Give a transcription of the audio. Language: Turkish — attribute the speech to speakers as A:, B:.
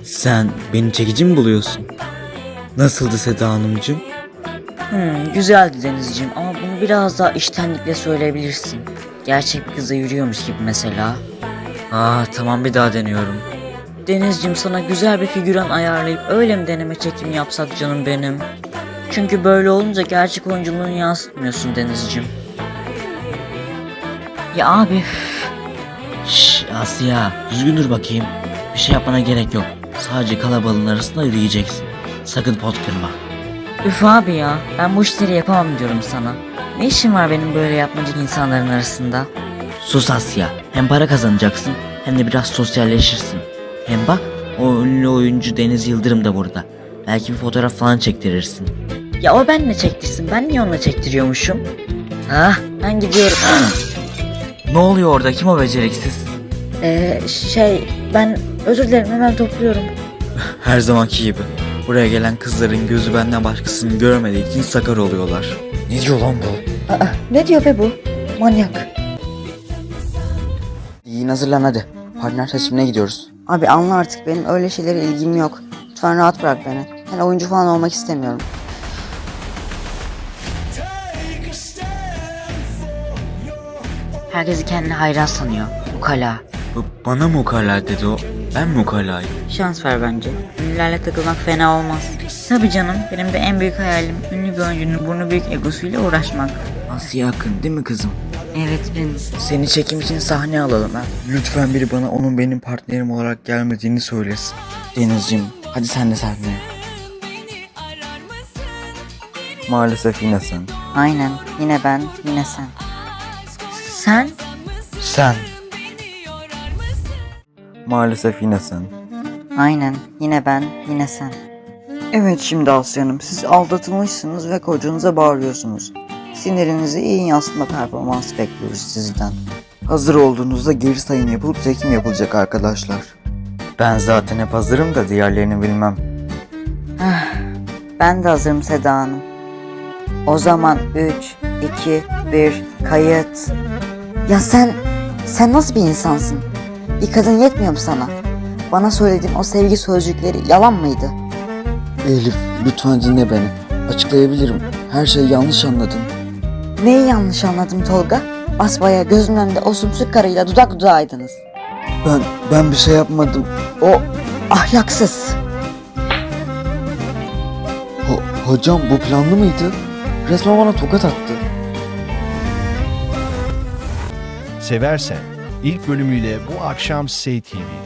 A: Sen beni çekici mi buluyorsun? Nasıldı Seda Hanımcığım?
B: Güzeldi Denizciğim ama bunu biraz daha içtenlikle söyleyebilirsin. Gerçek bir kıza yürüyormuş gibi mesela.
A: Tamam, bir daha deniyorum.
B: Denizciğim, sana güzel bir figüran ayarlayıp öyle mi deneme çekimi yapsak canım benim? Çünkü böyle olunca gerçek oyunculuğunu yansıtmıyorsun Denizciğim.
A: Ya abi. Şşş Asya, düzgün dur bakayım. Bir şey yapmana gerek yok. Sadece kalabalığın arasında yürüyeceksin. Sakın pot kırma.
B: Üf abi ya, ben bu işleri yapamam diyorum sana. Ne işim var benim böyle yapmacık insanların arasında?
A: Sus Asya. Hem para kazanacaksın hem de biraz sosyalleşirsin. Hem bak, o ünlü oyuncu Deniz Yıldırım da burada. Belki bir fotoğraf falan çektirirsin.
B: Ya o benle çektirsin, ben niye onunla çektiriyormuşum? Ben gidiyorum.
A: Ne oluyor orada? Kim o beceriksiz?
B: Ben özür dilerim, hemen topluyorum.
A: Her zamanki gibi. Buraya gelen kızların gözü benden başkasını görmediği için sakar oluyorlar. Ne diyor lan bu?
B: Ne diyor be bu? Manyak.
C: İyi, hazırlan hadi. Partner seçimine gidiyoruz.
D: Abi anla artık, benim öyle şeylere ilgim yok. Lütfen rahat bırak beni. Ben oyuncu falan olmak istemiyorum.
B: Herkesi kendine hayran sanıyor. Ukala.
A: Bana mı ukala dedi o? Ben mi ukalayım?
B: Şans ver bence. Ünlülerle takılmak fena olmaz. Tabii canım, benim de en büyük hayalim ünlü bir oyuncunun burnu büyük egosuyla uğraşmak.
A: Asya Akın değil mi kızım?
B: Evet benim.
A: Seni çekim için sahne alalım ha. Lütfen biri bana onun benim partnerim olarak gelmediğini söylesin.
C: Denizciğim, hadi sen de sahneye.
A: Maalesef yine sen.
D: Aynen, yine ben, yine sen.
B: Sen?
A: Sen. Maalesef yine sen.
D: Aynen, yine ben, yine sen. Evet, şimdi Asya Hanım, siz aldatılmışsınız ve kocanıza bağırıyorsunuz. Sinirinizi iyi yansıtma performansı bekliyoruz sizden.
C: Hazır olduğunuzda geri sayım yapılıp çekim yapılacak arkadaşlar.
A: Ben zaten hep hazırım da diğerlerini bilmem.
D: Ben de hazırım Seda Hanım. O zaman 3, 2, 1, kayıt. Ya sen nasıl bir insansın? Bir kadın yetmiyor mu sana? Bana söylediğin o sevgi sözcükleri yalan mıydı?
C: Elif, lütfen dinle beni. Açıklayabilirim. Her şeyi yanlış anladın.
D: Neyi yanlış anladım Tolga? Basbayağı gözümün önünde o sümsük karıyla dudak dudağıydınız.
C: Ben bir şey yapmadım.
D: O ahlaksız.
C: Hocam, bu planlı mıydı? Resmen bana tokat attı.
E: Seversen ilk bölümüyle bu akşam Say TV'de.